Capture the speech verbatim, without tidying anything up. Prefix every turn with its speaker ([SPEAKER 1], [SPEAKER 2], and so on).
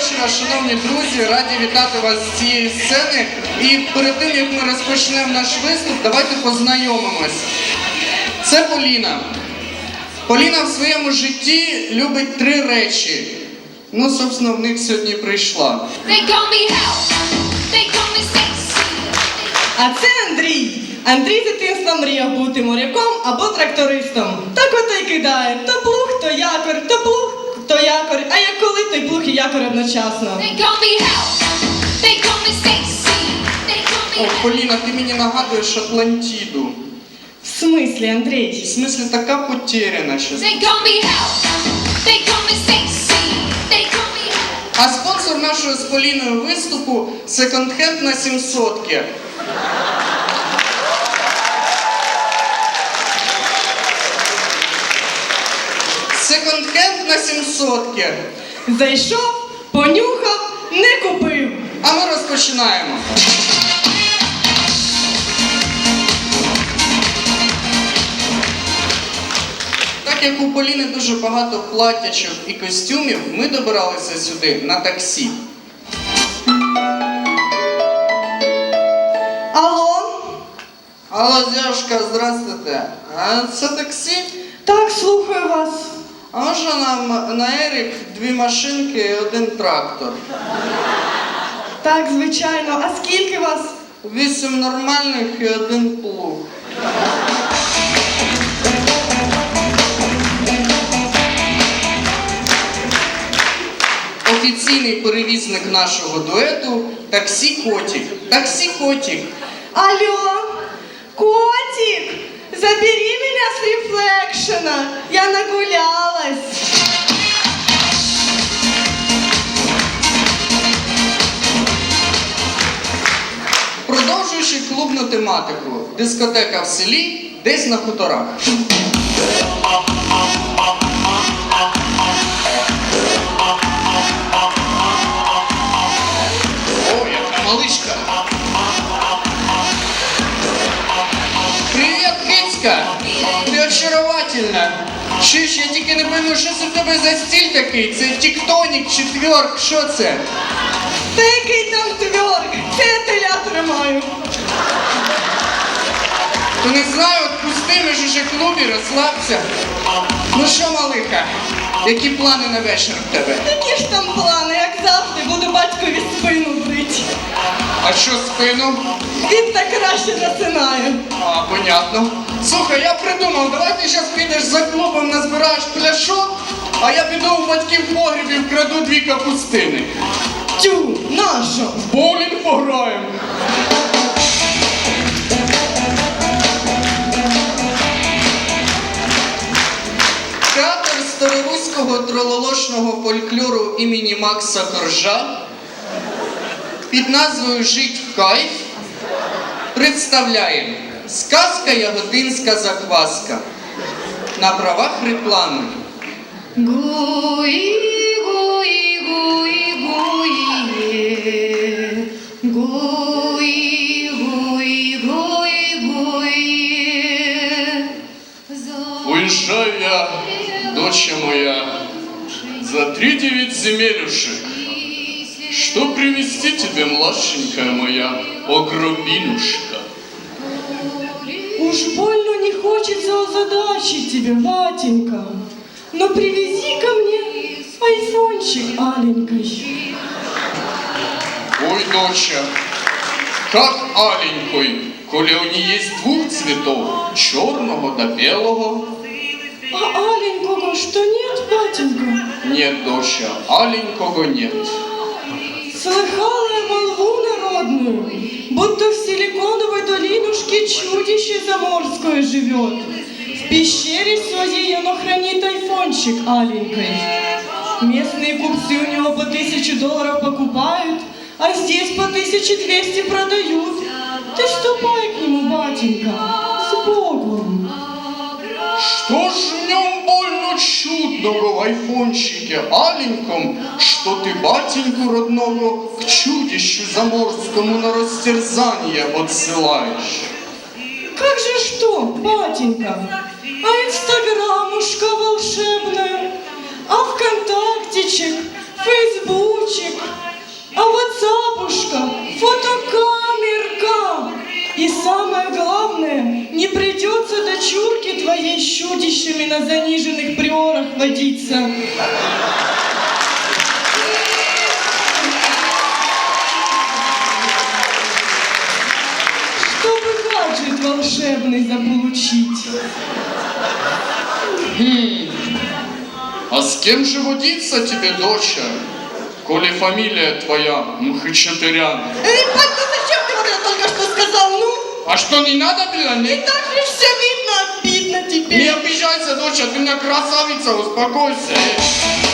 [SPEAKER 1] вечора, шановні друзі, раді вітати вас з цієї сцени. І перед тим, як ми розпочнемо наш виступ, давайте познайомимось. Це Поліна. Поліна в своєму житті любить три речі. Ну, собственно, в них сьогодні прийшла.
[SPEAKER 2] А це Андрій. Андрій з дитинства мріяв бути моряком або трактористом. Так ото й кидає. То плуг, то якор, то плуг, то якор. А як коли, то й плуг і якор одночасно.
[SPEAKER 1] О, Поліна, ти мені нагадуєш Атлантіду.
[SPEAKER 2] В смислі, Андрій?
[SPEAKER 1] В смислі, така потеряна щас. А спонсор нашого з Поліною виступу – секонд-хенд на сімсотки. Секонд-хенд на сімсотки.
[SPEAKER 2] Зайшов, понюхав, не купив.
[SPEAKER 1] А ми розпочинаємо. Так як у Поліни дуже багато платячок і костюмів, ми добиралися сюди на таксі.
[SPEAKER 2] Алло?
[SPEAKER 1] Алло, девушка, здравствуйте. А це таксі?
[SPEAKER 2] Так, слухаю вас.
[SPEAKER 1] А можна нам на Ерік дві машинки і один трактор?
[SPEAKER 2] Так, звичайно. А скільки вас?
[SPEAKER 1] Вісім нормальних і один плуг. Офіційний перевізник нашого дуету – таксі Котик. Таксі Котик.
[SPEAKER 2] Алло, котик, забери меня с рефлекшена. Я нагулялась.
[SPEAKER 1] Продовжуючи клубну тематику, дискотека в селі, десь на хуторах. О, яка маличка! Привіт, кицька! Ти очаровательна! Чуєш, я тільки не пойму, що це в тебе за стиль такий? Це тіктонік чи тверк? Що це?
[SPEAKER 2] Та який там тверк? Це я теля тримаю.
[SPEAKER 1] То не знаю, отпусти, ми ж уже в клубі, розслабся. Ну що, малиха, які плани на вечір в тебе?
[SPEAKER 2] Які ж там плани, як завжди, буду батькові спину брити.
[SPEAKER 1] А що спину?
[SPEAKER 2] Він так краще засинає.
[SPEAKER 1] А, понятно. Слухай, я придумав, давай ти зараз підеш за клубом, назбираєш пляшок, а я піду у батьків в погріб і вкраду дві капустини.
[SPEAKER 2] Тю, нащо?
[SPEAKER 1] В боулінг пограємо. Театр староруського трололошного фольклору імені Макса Коржа під назвою «Жить в кайф» представляє сказка «Яготинська закваска» на правах реклами.
[SPEAKER 2] Гуи, гуи, гуи, гуи, гуи, гуи, гуи, гуи.
[SPEAKER 1] Уезжаю я, доча моя, за три девять земелюшек. Что привезти тебе, младшенькая моя, огробинушка?
[SPEAKER 2] Уж больно не хочется озадачить тебя, батенька. Но привези ко мне айфончик аленький.
[SPEAKER 1] Ой, доча, как аленькой, коли у нее есть двух цветов, черного да белого.
[SPEAKER 2] А аленького что нет, батенька?
[SPEAKER 1] Нет, доча, аленького нет.
[SPEAKER 2] Слыхала я молву народную, будто в силиконовой долинушке чудище заморское живет. В пещере своей оно хранит айфончик аленькой. Местные купцы у него по тысяче долларов покупают, а здесь по тысяче двести продают. Ты ступай к нему, батенька, с Богом.
[SPEAKER 1] Что ж в нем больно чудного в айфончике аленьком, что ты батеньку родного к чудищу заморскому на растерзание отсылаешь?
[SPEAKER 2] Как же что, батенька? А инстаграмушка волшебная, а вконтактичек, фейсбучик. с чудищами на заниженных приорах водиться. Чтобы гаджет волшебный заполучить.
[SPEAKER 1] Хм. А с кем же водиться тебе, доча, коли фамилия твоя Мхачатырян?
[SPEAKER 2] Эй, пап, ну зачем ты вот это только что сказал, ну?
[SPEAKER 1] А что, не надо было?
[SPEAKER 2] И
[SPEAKER 1] Не,
[SPEAKER 2] так же все видно, обидно
[SPEAKER 1] не
[SPEAKER 2] теперь.
[SPEAKER 1] обижайся, доча, ты у меня красавица, успокойся.